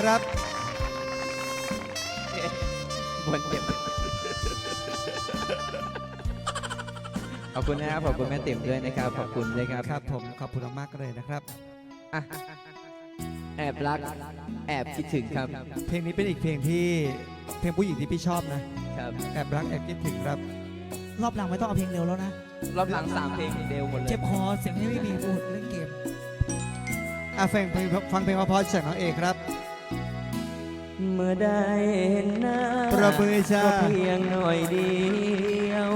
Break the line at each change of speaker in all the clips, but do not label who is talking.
ครับ
บนเจ็บขอบคุณนะครับขอบคุณแม่ติ๋มด้วยนะครับขอบคุณด้วยครับ
ครับผมขอบคุณมากๆเลยนะครับ
แอบรักแอบคิดถึงครับ
เพลงนี้เป็นอีกเพลงผู้หญิงที่พี่ชอบนะครับแอบรักแอบคิดถึงครับ
รอบหลังไม่ต้องเอาเพลงเร็วแล้วนะ
รอบหลัง3เพลงเร็วหมดเลย
เจ็บคอเสียงไม่มีพูดเล่นเกม
ฟังเพลงเพราะๆจากน้องเอกครับ
เมื่อได้เห็นหน้า
ประมือจ้า
ก็เพียงหน่อยเดียว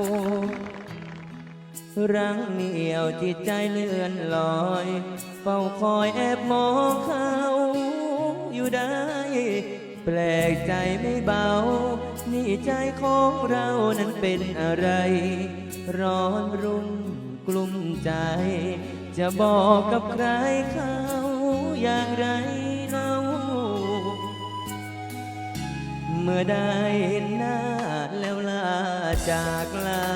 รังเหนียวจิตใจเลื่อนลอยเฝ้าคอยแอบมองเขาอยู่ได้แปลกใจไม่เบานี่ใจของเรานั้นเป็นอะไรร้อนรุ่มกลุ้มใจจะบอกกับใครเขาอย่างไรเล่าเมื่อได้เห็นหน้าแล้วลาจากลา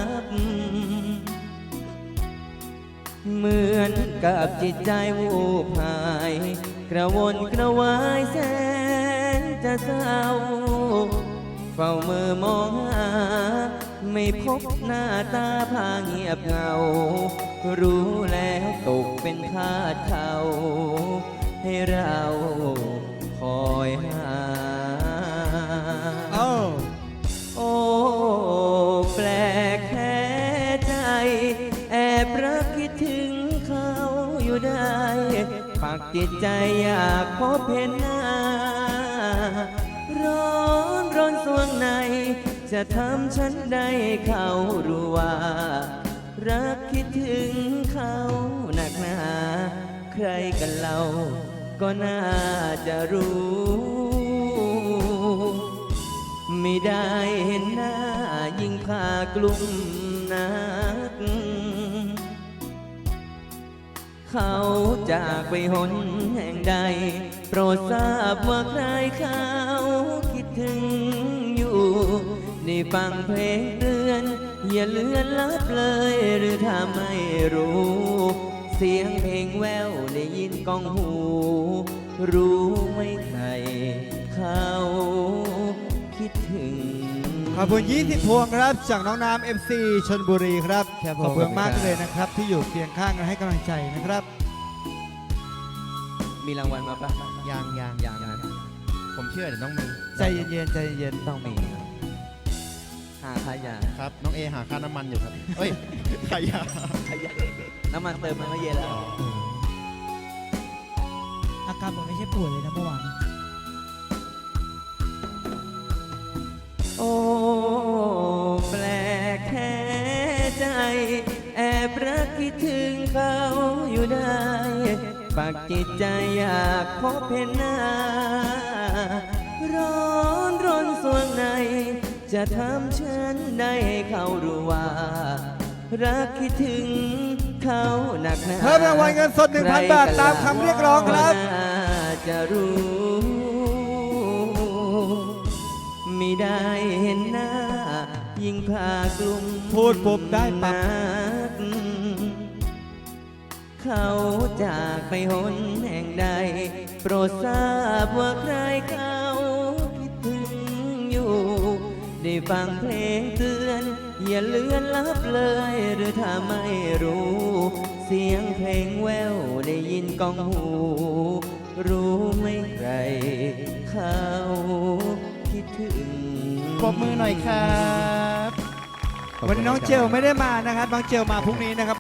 เหมือนกับจิตใจวูบหายกระวนกระวายแสนจะเศร้าเฝ้ามือมองหาไม่พบหน้าตาพาเงียบเหงารู้แล้วตกเป็นทาสเขาให้เราคอยหาโอ้แปลกแค่ใจแอบรักคิดถึงเขาอยู่ได้ปักจิตใจอยากพบเห็นหน้าร้อนสวงในจะทำฉันได้เขารู้ว่ารักคิดถึงเขาหนักหนาใครกันเราก็น่าจะรู้ไม่ได้เห็นหน้ายิ่งพากลุ่มนักเขาจากไปหนแห่งใดโปรดทราบว่าใครเขาคิดถึงอยู่ได้ฟังเพลงเตือนอย่าเลือนลับเลยหรือถ้าไม่รู้เสียงเพลงแววได้ยินก้องหูรู้ไหมใครเขาคิดถึง
ขอบคุณ20 พวงครับจากน้องน้ำ FC ชลบุรีครับขอบคุณมากเลยนะครับที่อยู่เคียงข้างกันให้กำลังใจนะครับ
มีรางวัลมาปะ
ยัง
นะ
ผมเชื่อเดี๋ยวต้องมี
ใจเย็นใจเย็น
ต้องมีหาขยะ
ครับน้องเอหาค่าน้ำมันอยู่ครับเอ้ยขยะ
น้ำมันเติมมันก็เย็นแล้ว
อาการผมไม่ใช่ป่วยเลยนะเมื่อวาน
โอ้แปลกแค่ใจแอบรักคิดถึงเขาอยู่ได้ปักจิตใจอยากพบเห็นหน้าร้อนสวงในจะทำฉันได้ให้เขารู้ว่ารักคิดถึงเขาหนักหนา
เพิ่มรางวัลเงินสด 1,000 บาทตามคำเรียกร้องครับ
จะรู้ไม่ได้เห็นหน้ายิ่งพากลุ่ม
พูดปุ๊บได้ปั๊บ
เขาจากไปหนแห่งใดโปรดทราบว่าใครเขาคิดถึงอยู่ได้ฟังเพลงเตือนอย่าเลือนลับเลยหรือถ้าไม่รู้เสียงเพลงแววได้ยินก้องหูรู้ไหมใครเขาคิดถึง
ปรบมือหน่อยครับ
วันนี้น้องเจลไม่ได้มานะครับน้องเจลมาพรุ่งนี้นะครับ